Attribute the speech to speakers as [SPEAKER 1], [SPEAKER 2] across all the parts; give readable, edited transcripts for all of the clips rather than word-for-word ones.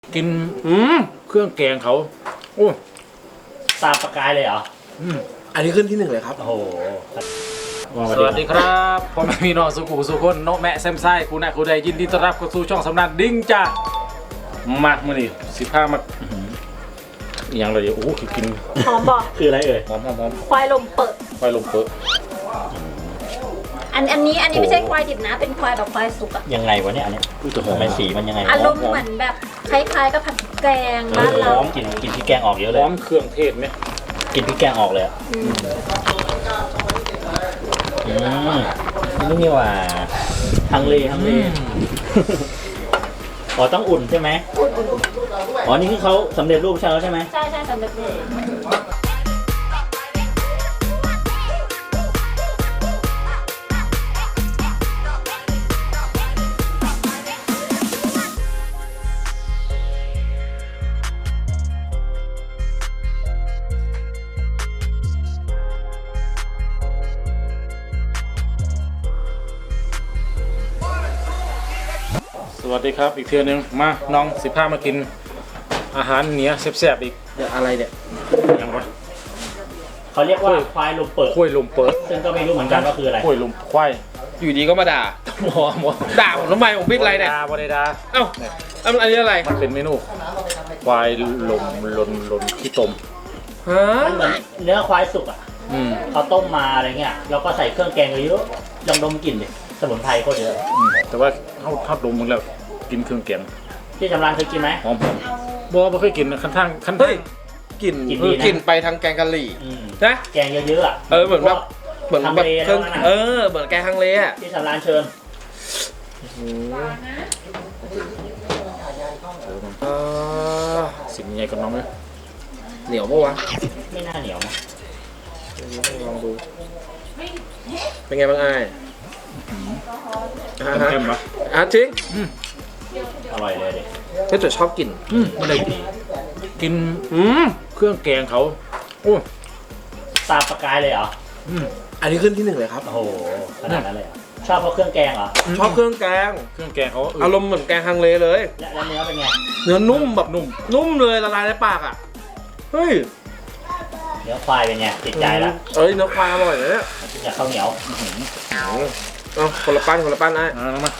[SPEAKER 1] กินเครื่องแกงเขาโอ้
[SPEAKER 2] ตามประกายเลยเหรอ
[SPEAKER 3] อันนี้ขึ้นที่หนึ่งเลยครับ
[SPEAKER 2] โอ้โห
[SPEAKER 1] สวัสดีครับพ่อแม่พี่น้องสุขุสุขคนโนแม่แซมไซกูนะกูได้ยินดีต้อนรับเข้าสู่ช่องสำนักดิ้งจ้ามาเมื่อนี้15 มาอย่างไรโอ้กิน
[SPEAKER 4] หอมบอก
[SPEAKER 2] คืออะไรเอ่ย
[SPEAKER 1] หอม
[SPEAKER 4] ควายลมเปิด
[SPEAKER 1] ควายลมเปิด
[SPEAKER 4] อันนี้ไม่ใช่ควายดิบนะเป็นควายแบบควายสุกอะ
[SPEAKER 2] ยังไงวะเนี่ยอันนี้ทำไมสีมันยังไง
[SPEAKER 4] อารมณ์เหมือนแบบคล้ายๆกับผัดแกงบ้านเรา
[SPEAKER 2] กินพริกแกงออกเยอะเลย
[SPEAKER 1] หอมเครื่องเทศไหม
[SPEAKER 2] กินพริกแกงออกเลยนี่ว่าฮังเลอ๋อต้องอุ่นใช่ไหมอ๋อนี่ที่เขาสำเร็จรูปใช่แล้วใช่ไหม
[SPEAKER 4] ใช่สำเร็จรูป
[SPEAKER 1] สวัสดีครับอีกเทื่อนึงมาน้อง15 มากินอาหารเหนือแซ่บๆอีก
[SPEAKER 3] อะไรเนี่ย
[SPEAKER 1] ยังวะ
[SPEAKER 2] เขาเรียกว่าควายลมเปิด
[SPEAKER 1] ควายลมเปิด
[SPEAKER 2] ซึ่งก็ไม่รู้เหมือนกันว่าคืออะไร
[SPEAKER 1] ควายลมควาย
[SPEAKER 3] อยู่ดีก็มาด่า
[SPEAKER 1] หมอ
[SPEAKER 3] ด่าผมทำไมผมผิดอะไรเนี่ย
[SPEAKER 1] บ่ได้ด่า
[SPEAKER 3] เอ้าอันนี้อะไร
[SPEAKER 1] มันเป็นเมนูควายลมลนขี้ต้ม
[SPEAKER 2] มันเหมือนเนื้อควายสุกอ่ะเขาต้มมาอะไรเงี้ยแล้วก็ใส่เครื่องแกงเยอะลองดมกลิ่นดิสมุนไพรก็เยอะ
[SPEAKER 1] แต่ว่าเขาดมมึงแล้วกินเครื่องแกง
[SPEAKER 2] ที่จำรานเคยกินไหม
[SPEAKER 1] หอมบ่เคยกินขั้น
[SPEAKER 3] กลิ่นไปทางแกงกะหรี่นะ
[SPEAKER 2] แกงเยอะๆอ่ะ
[SPEAKER 3] เหมือนแบบเครื่องเหมือนแกงฮังเลอ่ะ
[SPEAKER 2] ที่จำรานเชิญ
[SPEAKER 1] สิ่งใหญ่กับน้องเลย
[SPEAKER 3] เหนียวปะวะ
[SPEAKER 2] ไม่น่าเหนียวนะ
[SPEAKER 3] ลองดูเป็นไงบ้างไอ้
[SPEAKER 1] เข้มปะ
[SPEAKER 3] จริง
[SPEAKER 2] อร่อยเลยดิ
[SPEAKER 3] ถ้าจะชอบกิน
[SPEAKER 1] ไม่ได้กินเครื่องแกงเขาโอ้
[SPEAKER 2] ตามประกายเลยเหรอ
[SPEAKER 3] อันนี้ขึ้นที่หนึ่งเลยครับ
[SPEAKER 2] โอ้โหขนาดนั้นเลยชอบเพราะเครื่องแกงเหรอ
[SPEAKER 3] ชอบเครื่องแกง
[SPEAKER 1] เขา
[SPEAKER 3] อารมณ์เหมือนแกงฮังเลเลย
[SPEAKER 2] แล้วเนื้อเป็นไง
[SPEAKER 3] เนื้อนุ่มแบบนุ่มเลยละลายในปากอ่ะเฮ้ย
[SPEAKER 2] เนื้อควายเป็นไงติดใจแล้ว
[SPEAKER 3] เนื้อควายอร่อยเลยเนี่ย
[SPEAKER 2] อยากข้าวเหนียว
[SPEAKER 3] คนละปั้นนะ
[SPEAKER 1] มา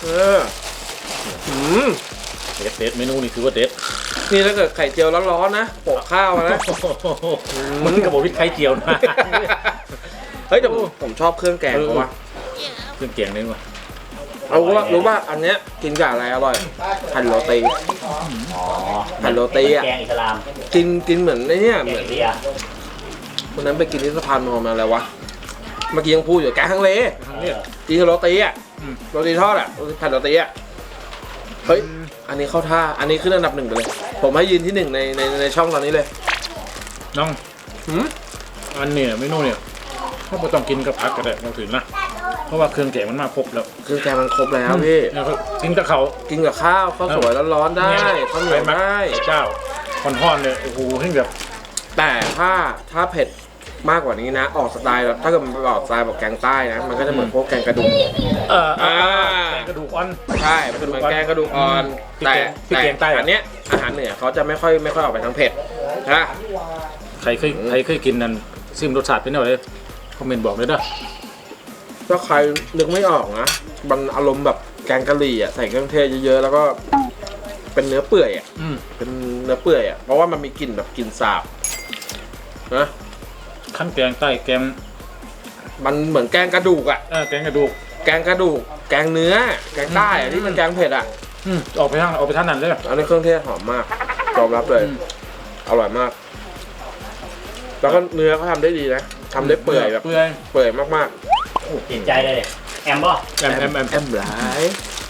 [SPEAKER 1] เด็ดเมนูนี่คือว่าเด็ด
[SPEAKER 3] นี่ถ้าเกิดไข่เจียวร้อนๆนะโปะข้าวนะ
[SPEAKER 1] มันกระบอกพริกไข่เจียวนะ
[SPEAKER 3] เฮ้ยแต่ผมชอบเครื่องแกงเพราะว่า
[SPEAKER 1] เครื่องแกงนี่ว่ะ
[SPEAKER 3] รู้ว่าอันเนี้ยกินกับอะไรอร่อยหั่นโรตีหั่นโรตีอ่ะ
[SPEAKER 2] แกงอิสลาม
[SPEAKER 3] กินเหมือนไอ้นี่เหมือนวันนั้นไปกินที่สะพานมอญมาอะไรวะเมื่อกี้ยังพูดอยู่แกงฮังเลกินกับโรตีอ่ะโรตีทอดอ่ะหั่นโรตีอ่ะเฮ้ยอันนี้เข้าท่าอันนี้ขึ้นอันดับ 1ไปเลยผมให้ยืนที่1ในช่องตอนนี้เลย
[SPEAKER 1] น้องอันนี้เมนูเนี่ยถ้าไม่ต้องกินกับผักก็ได้เราถึงนะเพราะว่าเครื่องแกงมันมาครบแล้ว
[SPEAKER 3] เครื่องแกงมันครบแล้วพี่
[SPEAKER 1] กินกับข้าว
[SPEAKER 3] ข้าวสวยร้อนๆได้ข้าวเหนียวได้
[SPEAKER 1] เจ้าห่อนๆเนี่ยโอ้โหให้แบบ
[SPEAKER 3] แต่ถ้าเผ็ดมากกว่านี้นะออกสไตล์แบบถ้าเกิดมันออกสไตล์แบบแกงใต้นะมันก็จะเหมือนพวกแกงกระดูก
[SPEAKER 1] แกงกระดูกอ่อน
[SPEAKER 3] ใช่มันเหมือนแกงกระดูกอ่อนแต่อันเนี้ยอาหารเหนือเขาจะไม่ค่อยออกไปทางเผ็ดนะ
[SPEAKER 1] ใครเคยกินนั่นซิมรสชาติเป็นยังไงคอมเมนต์บอกเลยเด้อ
[SPEAKER 3] ถ้าใครนึกไม่ออกนะมันอารมณ์แบบแกงกะหรี่อ่ะใส่เครื่องเทศเยอะๆแล้วก็เป็นเนื้อเปื่อยอ่ะเป็นเนื้อเปื่อยอ่ะเพราะว่ามันมีกลิ่นแบบกลิ่นสาบนะ
[SPEAKER 1] ขั้นแกงใต้แกง
[SPEAKER 3] มันเหมือนแกงกระดูกอ่ะ
[SPEAKER 1] แกงกระดูก
[SPEAKER 3] แกงเนื้อแกงใต้อ่ะที่มันแกงเผ็ดอ่ะ
[SPEAKER 1] ออกไปทางนั้นเลย
[SPEAKER 3] อันนี้เครื่องเทศหอมมากยอมรับเลยอร่อยมากแล้วก็เนื้อเขาทำได้ดีนะทำได้เปื่อยแบบเปื่อยมาก
[SPEAKER 2] ๆติดใจเลยแอม
[SPEAKER 3] หลาย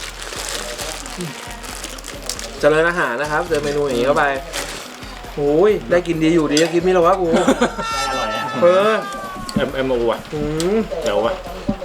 [SPEAKER 3] เจริญอาหารนะครับเจอเมนูอย่างนี้เข้าไปโอ้ยได้กินดีอยู่ดีกินไม่หรอวะกู
[SPEAKER 2] อร่อยนะ
[SPEAKER 1] แอมว่ะเดี๋ยวว่ะ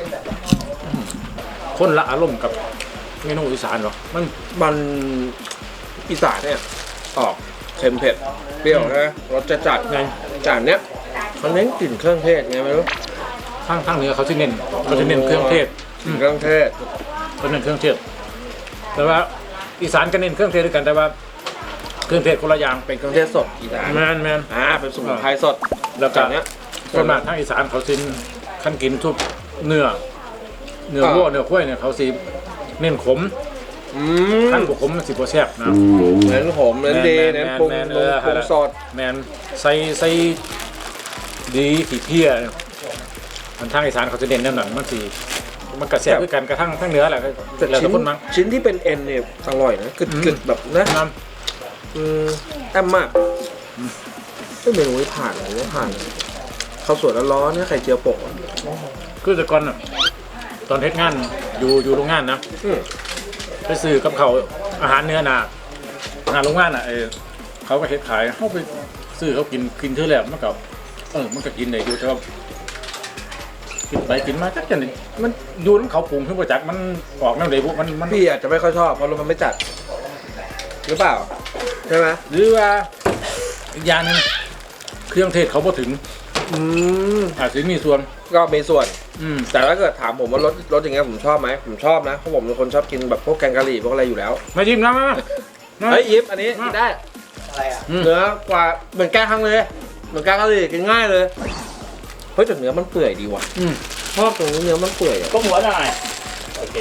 [SPEAKER 1] คนละอารมณ์กับเมนูอีสานหรอ
[SPEAKER 3] มันอีสานเนี่ยออกเค็มเผ็ดเปรี้ยวนะรสจัดไงจานเนี้ยเขาเน้นกลิ่นเครื่องเทศไงไม่รู้
[SPEAKER 1] ทางเหนือเขาจะเน้นเครื่องเทศ
[SPEAKER 3] เขาเน้นเครื่องเทศ
[SPEAKER 1] แต่ว่าอีสานก็เน้นเครื่องเทศด้วยกันแต่ว่าเครื่องเทศคนละอย่าง
[SPEAKER 3] เป็นเครื่องเทศสดอีสาน
[SPEAKER 1] แมน
[SPEAKER 3] เป็นสมุนไพรสด
[SPEAKER 1] แล้วก็
[SPEAKER 3] แบบเนี้ย
[SPEAKER 1] ส่วนมากทางอีสานเขาสิขั้นกินทุกเนื้อวัวเนื้อควายเนี่ยเขาสิเน้นขม ขั้นบุขมมันสิบ่แซ่บนะ
[SPEAKER 3] เน้นหอมเน้นดีเน้นปรุงปรุงสด
[SPEAKER 1] แมนใส่ดีขี้เพี้ยมันทางอีสานเขาจะเน้นแนวนั้นมันกระแซ่บด้วยกันกระทั่งทั้งเนื้อแหละ
[SPEAKER 3] แต่
[SPEAKER 1] แล้วแต่คนมั้ง
[SPEAKER 3] ชิ้นที่เป็นเอ็นเนี่ยอร่อยนะกึดแบบนะ
[SPEAKER 1] น้
[SPEAKER 3] แอมมากเมนูนี้ผ่านเลยไม่ผ่านเลยข้าวสวยร้อนๆเนี่ยไข่เจียวโปะ
[SPEAKER 1] ำคือแต่ก่อนน่ะตอนเฮ็ดงานอยู่โรงงานนะ
[SPEAKER 3] อืม
[SPEAKER 1] ไปซื้อกับเขาวอาหารเนื้อหนาโรงงานอ่ะเขาก็เฮ็ดขายเขาไปซื้อเขากินเท่าแล้วมันก็กินได้อยู่แต่ว่ากินไปกินมาจักจังนี่มันอยู่น้ำเขาปรุงขึ้นมาจากมันออกแนวใดบุมัน
[SPEAKER 3] พี่อาจจะไม่ค่อยชอบเพราะรสมันไม่จัดหรือเปล่าใช่ไหม
[SPEAKER 1] หรือว่าอีกอย่างหนึงเครื่องเทศเขาพอถึง อาจจะมีส่วน
[SPEAKER 3] ก็มีส่วน
[SPEAKER 1] แต่
[SPEAKER 3] แต่ถ้าเกิดถามผมว่ารสอย่างเงี้ยผมชอบไหมผมชอบนะเพราะผมเป็นคนชอบกินแบบพวกแกงกะหรี่พวกอะไรอยู่แล้ว
[SPEAKER 1] ไม่จิ้มนะมา
[SPEAKER 3] เฮ้ยยิปอันนี้กินได้
[SPEAKER 2] อะไรอ่ะ
[SPEAKER 3] เนื้อกว่าเหมือนแกงฮังเลยเหมือนแกงกะหรี่กินง่ายเลยเฮ้ยแต่เนื้อมันเปื่อยดีว่ะชอบตรงนี้เนื้อมันเปื่อยอะ
[SPEAKER 2] ก็หัวหน่อยโอเค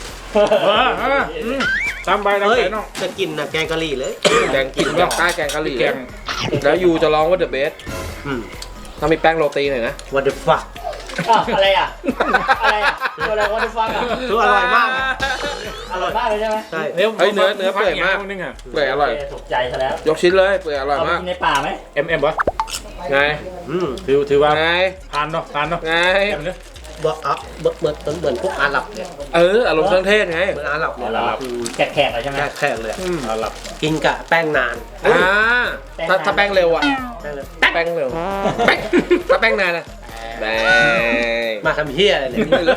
[SPEAKER 1] ตามใบตาม
[SPEAKER 5] เฮ้ย
[SPEAKER 1] ใบน้อง
[SPEAKER 5] จะกินนะแกงกะหรี่เลย
[SPEAKER 3] แกงกินแบบใต้แกงกะหรี่
[SPEAKER 1] แกง
[SPEAKER 3] แล้วยูจะร้องว่าเดอะเบส
[SPEAKER 5] อืม
[SPEAKER 3] ถ้ามีแป้งโรตีหน่อยนะ
[SPEAKER 5] what the fuck
[SPEAKER 2] อะไรอ่ะอะไรอ่ะตัวอะไรวะที่ฟังอ่ะ
[SPEAKER 5] คืออร่อยมากอะ
[SPEAKER 2] อร่อยมากเลยใช่ไหม
[SPEAKER 5] ใช่
[SPEAKER 3] เฮ้ยเนื้อเปื่อยมาก
[SPEAKER 1] นึงอ่ะ
[SPEAKER 3] เปื่อยอร่อย
[SPEAKER 2] ถูกใจซะแล้ว
[SPEAKER 3] ยกชิ้นเลยเปื่อยอร่อย
[SPEAKER 2] เอาไป
[SPEAKER 3] มาก
[SPEAKER 2] กินในป่าไหม
[SPEAKER 1] เอ็มวะ
[SPEAKER 3] ไง
[SPEAKER 5] อืม
[SPEAKER 1] ถือว่า
[SPEAKER 3] ไง
[SPEAKER 1] ผ่านเนาะ
[SPEAKER 3] ไง
[SPEAKER 1] เอ็มเนี่ย
[SPEAKER 5] บอกอ่ะเหมือนพวกอาหรับเนี่ย
[SPEAKER 3] อารมณ์เครื่องเทศไง
[SPEAKER 5] เหมือนอาหรับเนี่ย
[SPEAKER 2] แขกๆเลยใช่ไหม
[SPEAKER 5] แค่เลยอะ
[SPEAKER 1] หลับ
[SPEAKER 5] กินกะแป้งนาน
[SPEAKER 3] ถ้าแป้งเร็วอ่ะ
[SPEAKER 5] แป้งเลย
[SPEAKER 3] แป้งเร็วแป้งถ้าแป้งนานอ่ะแป้ง
[SPEAKER 5] มาทำเฮียอะไรเนี่ย
[SPEAKER 3] ไม่รู้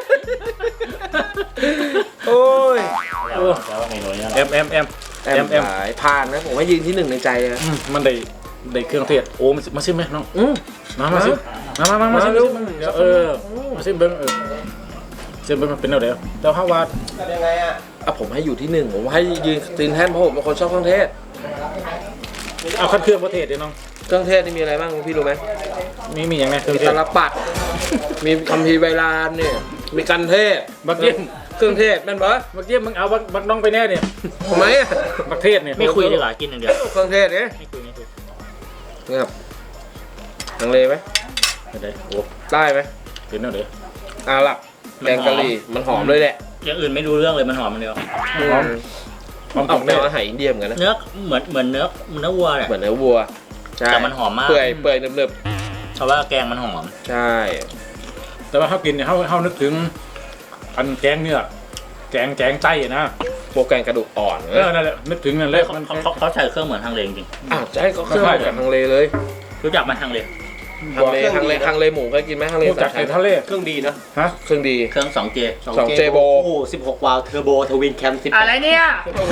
[SPEAKER 3] โอ้ย
[SPEAKER 2] แล้วว่าเมนูนี้นะ
[SPEAKER 1] เอ็ม
[SPEAKER 3] หลายผ่านนะผมว่ายืนที่หนึ่งในใจเลยนะ
[SPEAKER 1] มันได้เครื่องเทศโอ้มาซิมไหมน้อง มาซิมาซิ
[SPEAKER 3] มา
[SPEAKER 1] ซิ
[SPEAKER 3] เร็ว
[SPEAKER 1] เดี๋ยวมาซิเบิ้งซิเบิ้งมันเป็นแนวเดียวแต่ถ้าว่า
[SPEAKER 5] ยังไงอ่ะ
[SPEAKER 3] ผมให้อยู่ที่หนึ่งผมให้ยืนตีนแท่นเพราะผมเป็นคนชอบเครื่องเทศ
[SPEAKER 1] เอาขั้นเครื่องประเทศเดี๋ยวน้อง
[SPEAKER 3] เครื่องเทศนี่มีอะไรบ้างพี่รู้ไหม
[SPEAKER 1] มีอย่างไงเครื่อง
[SPEAKER 3] มี
[SPEAKER 1] เทศ
[SPEAKER 3] ตาลปัดมีคัมภีร์ใบลานเนี่ยมีกันเทศ
[SPEAKER 1] บักเยี่ยม
[SPEAKER 3] เครื่องเทศแม่นปะ
[SPEAKER 1] บักเยี่ยมมึงเอาบักน้องไปแน่เนี่ย
[SPEAKER 3] ทำไมอะ
[SPEAKER 1] บักเทศเนี่ย
[SPEAKER 2] ไม่คุยดีกว่ากินอย่างเดียว
[SPEAKER 3] เครื่องเทศเนี่ย
[SPEAKER 2] ไม่คุย
[SPEAKER 3] นี่ครับทางเลไหม
[SPEAKER 1] ได้โอ้
[SPEAKER 3] ได้ไหม
[SPEAKER 1] เป็นแนวเดียว
[SPEAKER 3] อาหรับแกงกะหรี่มันหอมเลยแหละ
[SPEAKER 2] อย่างอื่นไม่รู้เรื่องเลยมันหอมมันเดียว
[SPEAKER 1] หอม
[SPEAKER 3] ออกแนวอาหารอินเดียเหมือนกันนะ
[SPEAKER 2] เนื้อเหมือนเนื้อวัวเนี่ย
[SPEAKER 3] เหมือนเนื้อวัวใช่
[SPEAKER 2] แต่มันหอมมาก
[SPEAKER 3] เปื่อยเนึบ
[SPEAKER 2] เพราะว่าแกงมันหอม
[SPEAKER 3] ๆใช่
[SPEAKER 1] แต่ว่าเขากินเนี่ยเขานึกถึงอันแกงเนื้อแกงไต้นะ
[SPEAKER 3] พวกแกงกระดูกอ่อน
[SPEAKER 1] นั่นแหละนึกถึงนั่นแหละมัน
[SPEAKER 2] เขาใส่เครื่องเหมือนทางเลจริง
[SPEAKER 3] ใช่ก็เครื่องแบบทางเลเลย
[SPEAKER 2] รู้จักไหมทางเล
[SPEAKER 3] ทางเลหมูเคยกินไหมทางเล
[SPEAKER 1] รู้จัก
[SPEAKER 3] สา
[SPEAKER 1] ไอ้
[SPEAKER 3] มชั้น
[SPEAKER 1] ทะเล
[SPEAKER 5] เครื่องดีนะ
[SPEAKER 1] ฮะ
[SPEAKER 3] เครื่องดี
[SPEAKER 2] เครื่อง 2J
[SPEAKER 3] สองเจโบ
[SPEAKER 5] โอ้โห16 วาล์วเทอร์โบทวินแคม10
[SPEAKER 2] อะไรเนี่ย
[SPEAKER 3] โอ้โห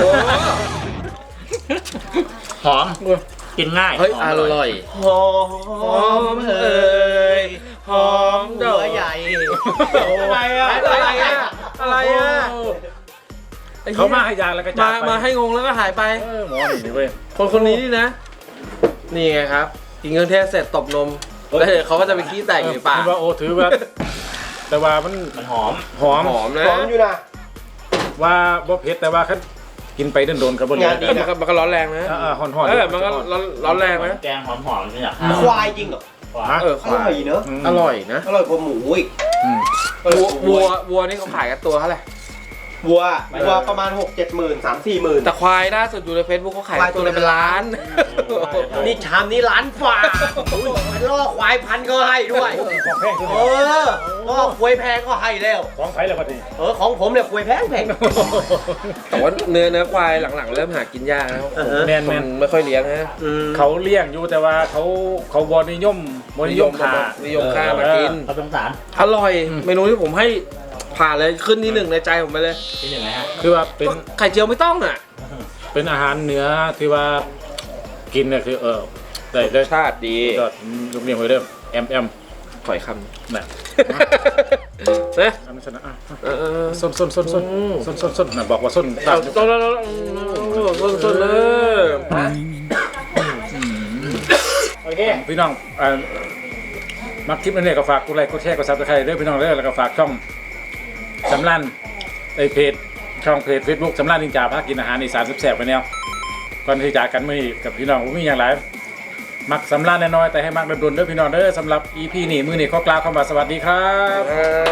[SPEAKER 2] หอมกินง่าย
[SPEAKER 3] เฮ้ย
[SPEAKER 2] ห
[SPEAKER 3] อ
[SPEAKER 2] ม
[SPEAKER 3] ร่อย
[SPEAKER 5] หอมเอ่ยหอมดอกใหญ่
[SPEAKER 3] อะไรอะอะไรอะ
[SPEAKER 1] เขามาให้ยาแล้วก็จากไป
[SPEAKER 3] มาให้งงแล้วก็หายไป
[SPEAKER 1] หมอนี่เว้ย
[SPEAKER 3] คนนี้นี่นะ นี่ไงครับ กินเครื่องเทศเสร็จตบนม แล้วเดี๋ยวเขาก็จะไปขี้แตกอยู่ในปาก
[SPEAKER 1] ถือว่าโอ้ถือว่า แต่ว่ามัน
[SPEAKER 2] มันหอม
[SPEAKER 1] หอม
[SPEAKER 3] หอมนะ
[SPEAKER 5] หอมอยู่นะ
[SPEAKER 1] ว่าบ่เผ็ดแต่ว่าคันกินไปโดนๆครับบ่
[SPEAKER 5] งานดี
[SPEAKER 3] มันก็ร้อนแรงนะ
[SPEAKER 1] ห่อนๆ
[SPEAKER 3] มันก็ร้อนแรงนะ
[SPEAKER 2] แกงหอมๆนี่แหละ
[SPEAKER 5] ควายจริงเหรอ
[SPEAKER 3] เออ
[SPEAKER 5] อร่อยเนอะ
[SPEAKER 3] อร่อยนะ
[SPEAKER 5] อร่อยกว่าหมูอีก
[SPEAKER 3] วัวนี่เขาขายกันตัวเท่าไหร่
[SPEAKER 5] วัวประมาณ 6-7 หมื่น 3-4 หมื่น
[SPEAKER 3] แต่ควายล่าสุดอยู่ในเฟซบุ๊กเขาขายตัวละเป็นล้าน
[SPEAKER 5] นี่ชามนี้ล้านฝ่ามันล่อควายพันก็ให้ด้วย
[SPEAKER 1] ของแพง
[SPEAKER 5] เออล่อควายแพงก็ให้แล้ว
[SPEAKER 1] ของไผ่แล้วบัดนี้
[SPEAKER 5] ของผมเนี่ยควายแพง
[SPEAKER 3] แต่ว่าเนื้อควายหลังๆเริ่มหากินยากแล้ว
[SPEAKER 1] แม่น
[SPEAKER 3] คนไม่ค่อยเลี้ยงนะ
[SPEAKER 1] เขาเลี้ยงอยู่แต่ว่าเขาบ่นิยมขา
[SPEAKER 3] นิยมฆ่ามากิน
[SPEAKER 2] เขาสงสาร
[SPEAKER 3] อร่อย เมนูที่ผมให้ผ่านเลยขึ้นที่หนึ่งในใจผมไปเลย
[SPEAKER 2] ที่หนึ่งนะฮะ
[SPEAKER 1] คือว่าเป็น
[SPEAKER 3] ไข่เจียวไม่ต้องอ่ะ
[SPEAKER 1] เป็นอาหารเหนือที่ว่ากินเนี่ยคือได้
[SPEAKER 3] ชาติดี
[SPEAKER 1] ยอดยกเรียงไว้เด้อแอม
[SPEAKER 3] ขอยค
[SPEAKER 1] น่ะ
[SPEAKER 3] นะ
[SPEAKER 1] อันนั้นชนะอ่ะ
[SPEAKER 3] ส้น
[SPEAKER 1] ส้นน่ะบอกว่าส้น
[SPEAKER 3] เอาต้นแล้วส้นเลย
[SPEAKER 2] โอเค
[SPEAKER 1] พี่น้องมักคลิปนี้ก็ฝากกดไลค์กดแชร์กดซับสไครต์ด้วยพี่น้องเด้อแล้วก็ฝากช่องสำรันเพจช่องเพจ Facebook สำรันนินจาพากินอาหารอีสานแซ่บๆไปแนวก่อนที่จากกันมื้อนี้กับพี่น้องมีอย่างไรมักสำรันน้อยๆแต่ให้มักดนๆเด้อพี่น้องเด้อสำหรับ EP นี้มื้อนี้ขอกล่าวคำว่าสวัสดีครับ